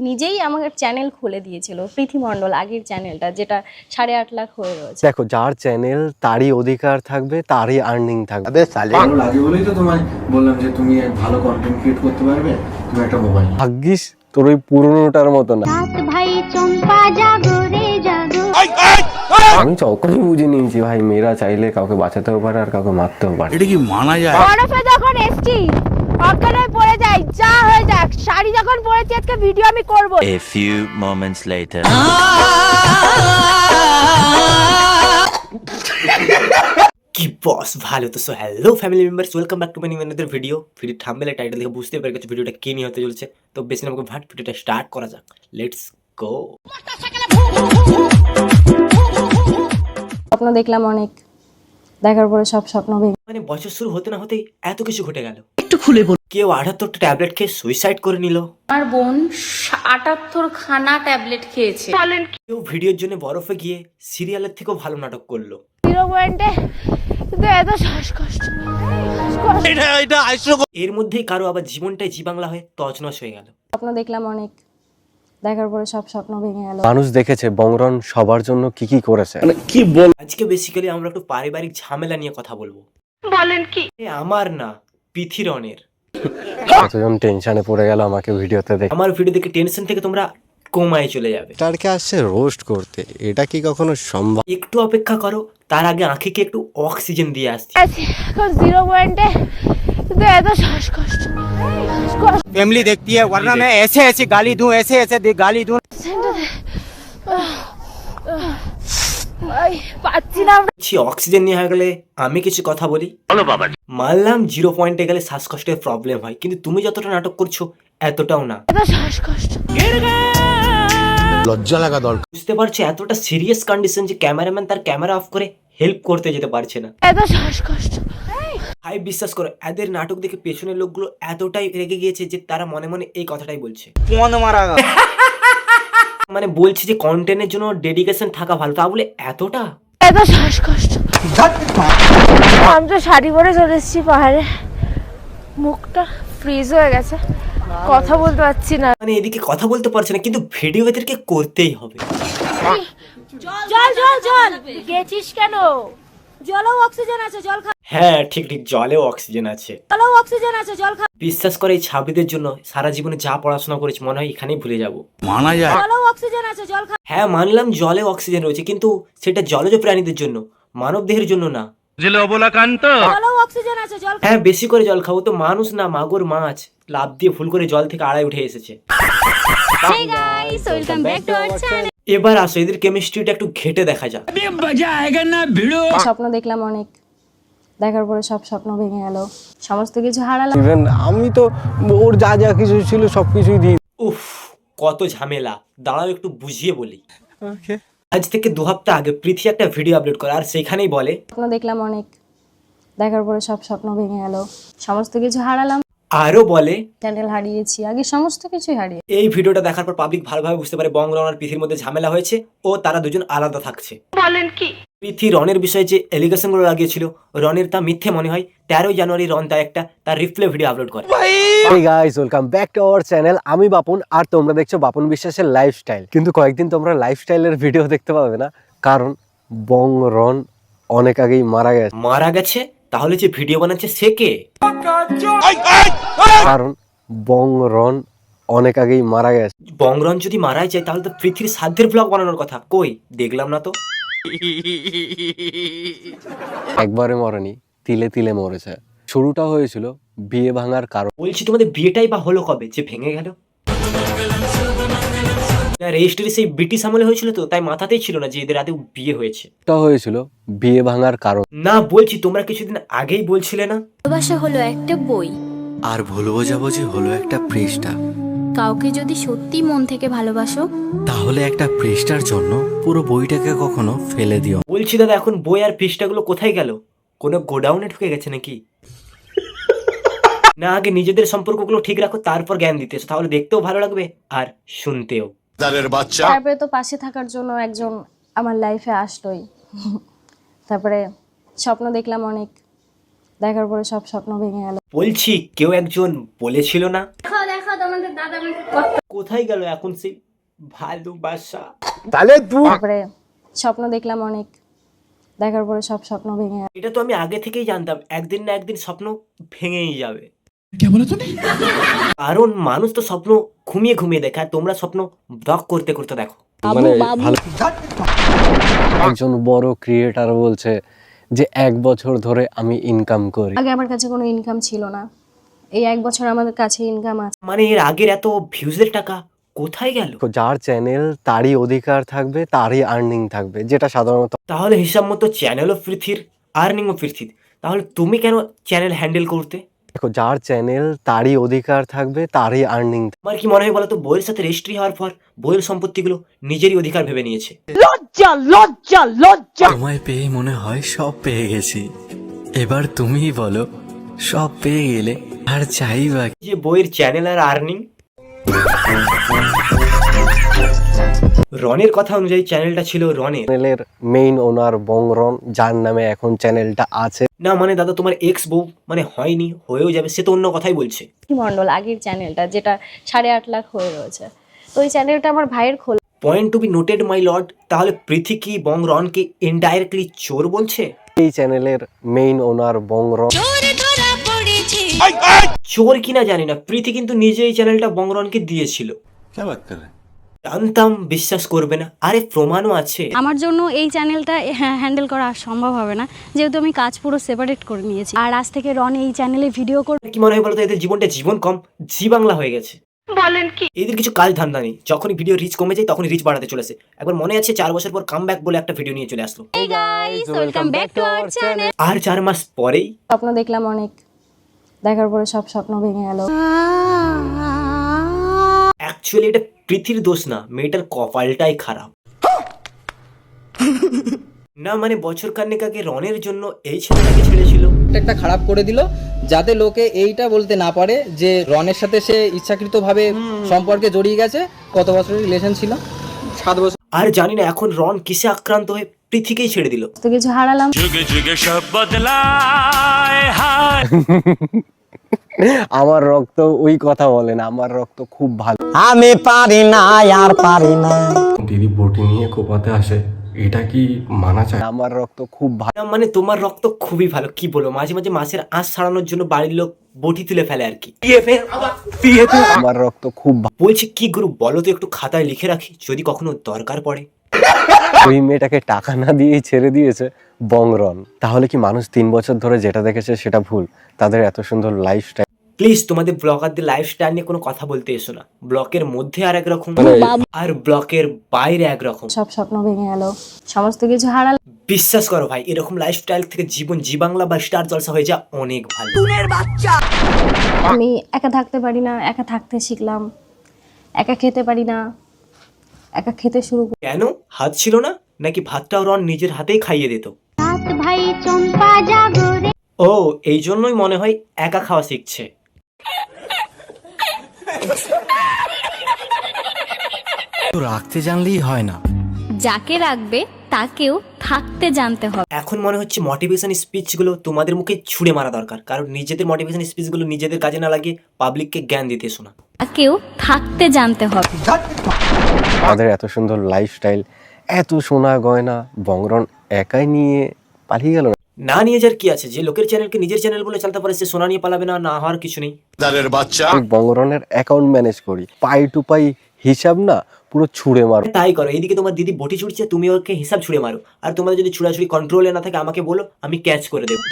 নিজেই আমাকে চ্যানেল খুলে দিয়েছিল, পৃথি মণ্ডল আগের চ্যানেলটা, যেটা 8.5 লাখ হয়ে রয়েছে। দেখো, যার চ্যানেল তারই অধিকার থাকবে, তারই আর্নিং থাকবে। ভালো লাগে বলেই তো তোমায় বললাম যে তুমি ভালো কন্টেন্ট ক্রিয়েট করতে পারবে, তুমি একটা মোবাইল। ভাগ্যিস তোর ওই পুরোনোটার মতো না। আমি তখনই বুঝে নিয়েছি ভাই, মেয়েরা চাইলে কাউকে বাঁচাতেও পারে আর কাউকে মারতেও পারে। এটা কি মানা যায়? বরফে যখন এসছি অজ্ঞান হয়ে পড়ে যাই, যা হয়ে যাক, শাড়ি যখন পরেছি আজকে ভিডিও আমি করব। A few moments later. কি বস ভালো তো। So hello family members, welcome back to my new another video. Video thumbnail title দেখে বুঝতে পেরে গেছো ভিডিওটা কি নিয়ে হতে চলেছে। তো বেশি না আমাকে ভাট ভিডিওটা স্টার্ট করা যাক, লেটস গো। স্বপ্ন দেখলাম অনেক, দেখার পরে সব স্বপ্ন ভেঙে। মানে বছর শুরু হতে না হতেই এত কিছু ঘটে গেল। একটু খুলে বল। কেউ 78টা ট্যাবলেট খেয়ে সুইসাইড করে নিল। আমার বোন 78 খানা ট্যাবলেট খেয়েছে। কেউ ভিডিওর জন্য বরফে গিয়ে সিরিয়ালের থেকেও ভালো নাটক করলো। 0 পয়েন্টে কিন্তু এত শ্বাসকষ্ট। এর মধ্যেই কারো আবার জীবনটাই জি বাংলা হয়ে তছনছ হয়ে গেল। স্বপ্ন দেখলাম অনেক, দেখার পরে সব স্বপ্ন ভেঙে গেল। মানুষ দেখেছে বংরন সবার জন্য কি কি করেছে। আজকে বেসিক্যালি আমরা একটু পারিবারিক ঝামেলা নিয়ে কথা বলবো। বলেন কি? আমার না, পৃথিরনের। কতজন টেনশনে পড়ে গেল আমাকে ভিডিওতে দেখে। আমার ভিডিও দেখে টেনশন থেকে তোমরা কোমায় চলে যাবে। তারকে আসছে রোস্ট করতে, এটা কি কখনো সম্ভব? একটু অপেক্ষা করো, তার আগে আঁখিকে একটু অক্সিজেন দিয়ে আসছি। এখন 0 পয়েন্টে কিন্তু এত শ্বাসকষ্ট। फैमिली देखती है, वरना मैं ऐसे ऐसे गाली दूं, ऐसे ऐसे गाली दूं। পাচ্ছি না। অক্সিজেন নিয়ে হয়ে গেলে আমি কিছু কথা বলি। মানলাম 0 পয়েন্টে গেলে শ্বাসকষ্টের প্রবলেম হয়, কিন্তু তুমি যতটা নাটক করছো এতটাও না। এত শ্বাসকষ্ট। লজ্জা লাগা দরকার। বুঝতে পারছো এতটা সিরিয়াস কন্ডিশন যে ক্যামেরাম্যান তার ক্যামেরা অফ করে হেল্প করতে যেতে পারছে না। এত শ্বাসকষ্ট। ভাই বিশ্বাস করো, এদের নাটক দেখে পেছনের লোকগুলো এতটাই রেগে গিয়েছে যে তারা মনে মনে এই কথাটাই বলছে। মানে বলছি যে কন্টেন্টের জন্য ডেডিকেশন থাকা ভালো, তা বলে এতটা। এত শ্বাসকষ্ট। আমি তো শাড়ি পরে চলে এসেছি পাহাড়ে, মুখটা ফ্রিজ হয়ে গেছে, কথা বলতে পারছি না। মানে এদিকে কথা বলতে পারছে না, কিন্তু ভিডিও এদেরকে করতেই হবে। জল জল জল গেছিস কেন? জলেও অক্সিজেন আছে, জল খা। হ্যাঁ ঠিক ঠিক, জলেও অক্সিজেন আছে। জলেও অক্সিজেন আছে, জল খা। বিশ্বাস করে এই ছাব্বিদের জন্য সারা জীবনে যা পড়াশোনা করেছি মনে হয় এখানেই ভুলে যাব। মানা যায়? জলেও অক্সিজেন আছে, জল খা। হ্যাঁ মানলাম জলে অক্সিজেন রয়েছে, কিন্তু সেটা জলজ প্রাণীদের জন্য, মানব দেহের জন্য না। জলেও অক্সিজেন আছে, জল খা। হ্যাঁ বেশি করে জল খাবো তো, মানুষ না মাগুর মাছ লাভ দিয়ে ভুল করে জল থেকে আড়াই উঠে এসেছে। এবার আসো এদের কেমিস্ট্রিটা একটু ঘেটে দেখা যাক। স্বপ্ন দেখলাম অনেক, দেখার পরে সব স্বপ্ন ভেঙে গেল, সমস্ত কিছু হারালাম। ইভেন আমি তো ওর যা যা কিছু ছিল সবকিছুই দিই। উফ কত ঝামেলা, দাঁড়াও একটু বুঝিয়ে বলি। আজ থেকে 2 হপ্তাহ আগে পৃথি একটা ভিডিও আপলোড করে, আর সেখানেই বলে স্বপ্ন দেখলাম অনেক, দেখার পরে সব স্বপ্ন ভেঙে গেল, সমস্ত কিছু হারালাম। আরো বলে চ্যানেল হারিয়েছি, আগে সমস্ত কিছুই হারিয়ে। এই ভিডিওটা দেখার পর পাবলিক ভালোভাবে বুঝতে পারে বংরন আর পৃথির মধ্যে ঝামেলা হয়েছে ও তারা দুজন আলাদা থাকছে। বলেন কি? পৃথি রনের বিষয়ে যে এলিগেশন গুলো লাগিয়েছিল রনের তা মিথ্যে মনে হয়। 13 জানুয়ারি রন তা একটা তার রিপ্লে ভিডিও আপলোড করে। Hey guys, welcome back to our channel. আমি বাপন আর তোমরা দেখছো বাপন বিশ্বাসের লাইফস্টাইল। কিন্তু কয়েকদিন তোমরা লাইফস্টাইলের ভিডিও দেখতে পাবে না, কারণ বংরন অনেক আগেই মারা গেছে। মারা গেছে? তাহলে যে ভিডিও বানাচ্ছে সে কে? কারণ বংরন অনেক আগেই মারা গেছে। বংরন যদি মারাই যায় তাহলে তো পৃথিবীর সাধ্যের ব্লগ বানানোর কথা, কই দেখলাম না তো। একবারে মরেনি, তিলে তিলে মরেছে। শুরুটা হয়েছিল বিয়ে ভাঙার কারণ। বলছি তোমাদের বিয়েটাই বা হলো কবে যে ভেঙে গেল? রেজিস্ট্রি সেই ব্রিটিশ আমলে হয়েছিল তো, তাই মাথাতেই ছিল না যে এদের রাতে বিয়ে হয়েছে। এটা হয়েছিল বিয়ে ভাঙার কারণ। না বলছি তোমরা কিছুদিন আগেই বলছিলে না ভালোবাসা হলো একটা বই, আর ভুল বোঝাবুঝি হলো একটা পৃষ্ঠা। কাউকে যদি সত্যি মন থেকে ভালোবাসো তাহলে একটা পৃষ্ঠার জন্য পুরো বইটাকে কখনো ফেলে দিও। বলছি দাদা এখন বই আর পৃষ্ঠাগুলো কোথায় গেল? কোনো গোডাউনে ঢুকে গেছে নাকি? না আগে নিজেদের সম্পর্কগুলো ঠিক রাখো, তারপর জ্ঞান দিতে এসো, তাহলে দেখতেও ভালো লাগবে আর শুনতেও। তারপরে তো পাশে থাকার জন্য একজন আমার লাইফে আসলোই। তারপরে স্বপ্ন দেখলাম অনেক, দেখার পরে সব স্বপ্ন ভেঙে গেল। বলছি কেউ একজন বলেছিল না দেখো দেখো তোমাদের কোথায় গেল এখন সেই ভালোবাসা? তারপরে স্বপ্ন দেখলাম অনেক, দেখার পরে সব স্বপ্ন ভেঙে গেল। এটা তো আমি আগে থেকেই জানতাম, একদিন না একদিন স্বপ্ন ভেঙেই যাবে। কারণ মানুষ তো স্বপ্ন ঘুমিয়ে ঘুমিয়ে দেখে, আর তোমরা স্বপ্ন ব্লক করতে করতে দেখো। মানে ভালো একজন বড় ক্রিয়েটার বলছে যে 1 বছর ধরে আমি ইনকাম করি। আগে আমার কাছে কোনো ইনকাম ছিল না, এই 1 বছর আমাদের কাছে ইনকাম আছে। মানে এর আগের এত ভিউজের টাকা কোথায় গেল? যার চ্যানেল তারই অধিকার থাকবে, তারই আর্নিং থাকবে, যেটা সাধারণত তাহলে হিসাব মতো চ্যানেলও পৃথির, আর্নিংও পৃথির, তাহলে তুমি কেন চ্যানেল হ্যান্ডেল করতে? দেখো, যার চ্যানেল তারই অধিকার থাকবে, তারই আর্নিং। আমার কি মনে হয় বলো তো, বইয়ের সাথে রেজিস্ট্রি হওয়ার পর বইয়ের সম্পত্তিগুলো নিজেরই অধিকার ভেবে নিয়েছে। তোমায় পেয়ে মনে হয় সব পেয়ে গেছি, এবার তুমিই বলো সব পেয়ে গেলে আর চাই বা কি? যে বইয়ের চ্যানেল আর আর্নিং। রনের কথা অনুযায়ী চ্যানেলটা ছিল রনের। চ্যানেলের মেইন ওনার বংরন, যার নামে এখন চ্যানেলটা আছে। না মানে দাদা, তোমার এক্স বউ মানে হয়নি, হয়েও যাবে, সে তো অন্য কথাই বলছে। মন্ডল আগের চ্যানেলটা যেটা 8.5 লাখ হয়ে রয়েছে, তো ওই চ্যানেলটা আমার ভাইয়ের খোলা। Point to be noted my lord. তাহলে পৃথি কি বং রনকে ইনডাইরেক্টলি চোর বলছে? এই চ্যানেলের মেইন ওনার বংরন। চোর কিনা জানি না, পৃথি কিন্তু নিজে এই চ্যানেলটা বং রনকে দিয়েছিল। জানতাম, বিশ্বাস করবে না, আরে প্রমাণও আছে। আমার জন্য এই চ্যানেলটা হ্যান্ডেল করা সম্ভব হবে না, যেহেতু আমি কাজ পুরো সেপারেট করে নিয়েছি। আর আজ থেকে রন এই চ্যানেলে ভিডিও করবে। কি মনে হয় বলতো, এদের জীবনটা জীবন কম জি বাংলা হয়ে গেছে। বলেন কি? এদের কিছু কাজ ধান্দা নেই, যখনই ভিডিও রিচ কমে যায় তখনই রিচ বাড়াতে চলেছে। একবার মনে আছে 4 বছর পর কামব্যাক বলে একটা ভিডিও নিয়ে চলে আসলো। Hey guys, welcome back to our channel. আর 4 মাস পরেই স্বপ্ন দেখলাম অনেক, দেখার পরে সব স্বপ্ন ভেঙে গেল। অ্যাকচুয়ালি এটা পৃথির দোষ না, মেয়েটার কপালটাই খারাপ। না মানে বছর খানেক আগে রনের জন্য এই ছেলেটাকে ছেড়েছিল। একটা খারাপ করে দিল, যাতে লোকে এইটা বলতে না পারে যে রনের সাথে সে ইচ্ছাকৃতভাবে সম্পর্কে জড়িয়ে গেছে। কত বছরের রিলেশন ছিল? 7 বছর। আর জানি না এখন রন কিসে আক্রান্ত হয়ে পৃথিকেই ছেড়ে দিল। তো কিছু হারালাম। আমার রক্ত ওই কথা বলে না, আমার রক্ত খুব ভালো। আমি পারি না আর পারি না। দিদি বটি নিয়ে কোপাতে আসে, এটা কি মানা চায়? আমার রক্ত খুব ভালো। না মানে তোমার রক্ত খুবই ভালো, কি বলো, মাঝে মাঝে মাছের আঁশ ছাড়ানোর জন্য বাড়ির লোক বটি তুলে ফেলে আর কি। আমার রক্ত খুব ভালো। বলছি কি গুরু বলো তো, একটু খাতায় লিখে রাখি যদি কখনো দরকার পড়ে। ওই মেয়েটাকে টাকা না দিয়েই ছেড়ে দিয়েছে বংরন। তাহলে কি মানুষ 3 বছর ধরে যেটা দেখেছে সেটা ভুল? তাদের এত সুন্দর লাইফস্টাইল। প্লিজ তোমাদের ব্লগারদের লাইফস্টাইল নিয়ে কোনো কথা বলতে এসো না। ব্লকের মধ্যে আর একরকম আর ব্লকের বাইরে একরকম। সব স্বপ্ন ভেঙে গেল, সমস্ত কিছু হারালাম। বিশ্বাস করো ভাই, এরকম লাইফস্টাইল থেকে জীবন জি বাংলা বা স্টার জলসা হয়ে যা অনেক ভালো। আমি একা থাকতে পারি না, একা থাকতে শিখলাম। একা খেতে পারি না, একা খেতে শুরু করি। কেন? হাত ছিল না নাকি? ভাতটাও রন নিজের হাতেই খাইয়ে দিত। ও এই জন্যই মনে হয় একা খাওয়া শিখছে। তো রাখতে জানলেই হয় না, যাকে রাখবে তাকেও থাকতে জানতে হবে। এখন মনে হচ্ছে মোটিভেশন স্পিচগুলো তোমাদের মুখে ছুঁড়ে মারা দরকার, কারণ নিজেদের মোটিভেশন স্পিচগুলো নিজেদের কাজে না লাগিয়ে পাবলিককে জ্ঞান দিতে শোনা। তাকেও থাকতে জানতে হবে। তাদের এত সুন্দর লাইফস্টাইল, এত সোনা গয়না বংরন একাই নিয়ে পালিয়ে গেল। না নিয়ে যার কি আছে? যে লোকের চ্যানেলকে নিজের চ্যানেল বলে চালাতে পারে সে সোনা নিয়ে পালাবে না? না হওয়ার কিছু নেই। বংরনের অ্যাকাউন্ট ম্যানেজ করি, পাই টু পাই হিসাব না পুরো ছুঁড়ে মারো। তাই করো। এইদিকে তোমার দিদি বটি ছুটছে, তুমি ওকে হিসাব ছুঁড়ে মারো। আর তোমাদের যদি ছুড়াছুড়ি কন্ট্রোলে না থাকে আমাকে বলো, আমি ক্যাচ করে দেবো।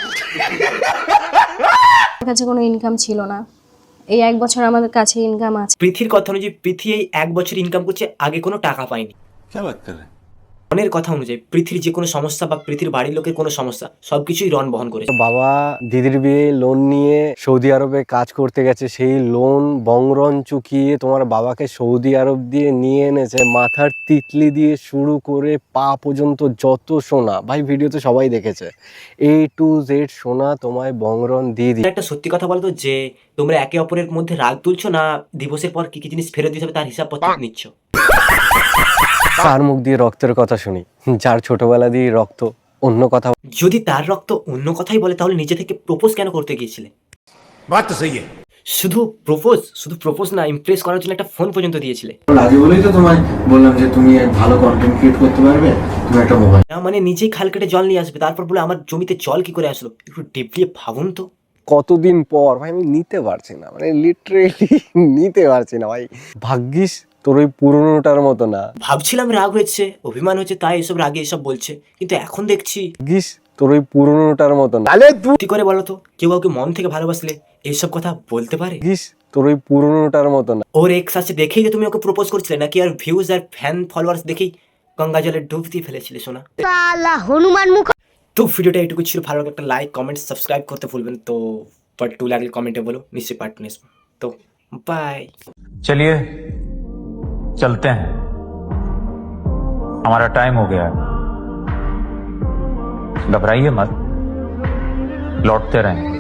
আমার কাছে কোনো ইনকাম ছিল না, এই 1 বছর আমাদের কাছে ইনকাম আছে। পৃথির কথা অনুযায়ী পৃথি এই 1 বছর ইনকাম করছে, আগে কোনো টাকা পায়নি। রনের কথা অনুযায়ী পৃথির যে কোনো সমস্যা বা পৃথির বাড়ির লোকের কোনো সমস্যা সবকিছুই রন বহন করেছে। বাবা দিদির বিয়ে লোন নিয়ে সৌদি আরবে কাজ করতে গেছে, সেই লোন বংরন চুকিয়ে তোমার বাবাকে সৌদি আরব দিয়ে নিয়ে এনেছে। মাথার তিতলি দিয়ে শুরু করে পা পর্যন্ত যত সোনা, ভাই ভিডিওতে সবাই দেখেছে, A to Z সোনা তোমায় বংরন দিয়ে দিই। একটা সত্যি কথা বলতো, যে তোমরা একে অপরের মধ্যে রাগ তুলছো না, দিবসের পর কি কি জিনিস ফেরত দিতে হবে তার হিসাবপত্র নিচ্ছ। কার মুখ দিয়ে রক্তের কথা শুনি? যার ছোটবেলা দিয়ে রক্ত অন্য কথা। যদি তার রক্ত অন্য কথাই বলে তাহলে নিজে থেকে প্রপোজ কেন করতে গিয়েছিলে? শুধু প্রপোজ না, ইমপ্রেস করার জন্য একটা ফোন পর্যন্ত দিয়েছিলে। রাজি বলেই তো তোমায় বললাম যে তুমি ভালো কন্টেন্ট ক্রিয়েট করতে পারবে, তুমি একটা মোবাইল। না মানে নিজেই খাল কেটে জল নিয়ে আসবে, তারপর বলে আমার জমিতে জল কি করে আসলো। একটু ডিপলি ভাবুন তো। কতদিন পর ভাই আমি নিতে পারছি না, মানে লিটারেলি নিতে পারছি না ভাই। ভাগ্যিস তোর ওই পুরোনোটার মতো না। ভাবছিলাম রাগ হয়েছে, অভিমান হচ্ছে, তাই এসব রাগে এসব বলছে, কিন্তু এখন দেখছি ভাগ্যিস তোর ওই পুরোনোটার মতো না। কি করে বলো তো, কেউ কাউকে মন থেকে ভালোবাসলে এইসব কথা বলতে পারে? ভাগ্যিস তোর ওই পুরোনোটার মতো না। ওর এক্স আছে দেখেই যে তুমি ওকে প্রপোজ করছিলে, নাকি আর ভিউজ আর ফ্যান ফলোয়ার্স দেখেই গঙ্গা জলে ডুব দিয়ে ফেলেছিলে সোনা? হনুমান মুখ। তো ভিডিওটা এটুকু ছিল, ভালো লাগলে একটা লাইক কমেন্ট সাবস্ক্রাইব করতে ভুলবেন। তো পার্ট 2 লাগলে কমেন্টে বলো, নিশ্চয়ই পার্ট 2 আসবো। তো বাই। चलिए चलते हैं, हमारा टाइम हो गया है। घबराइए मत, लौटते रहें।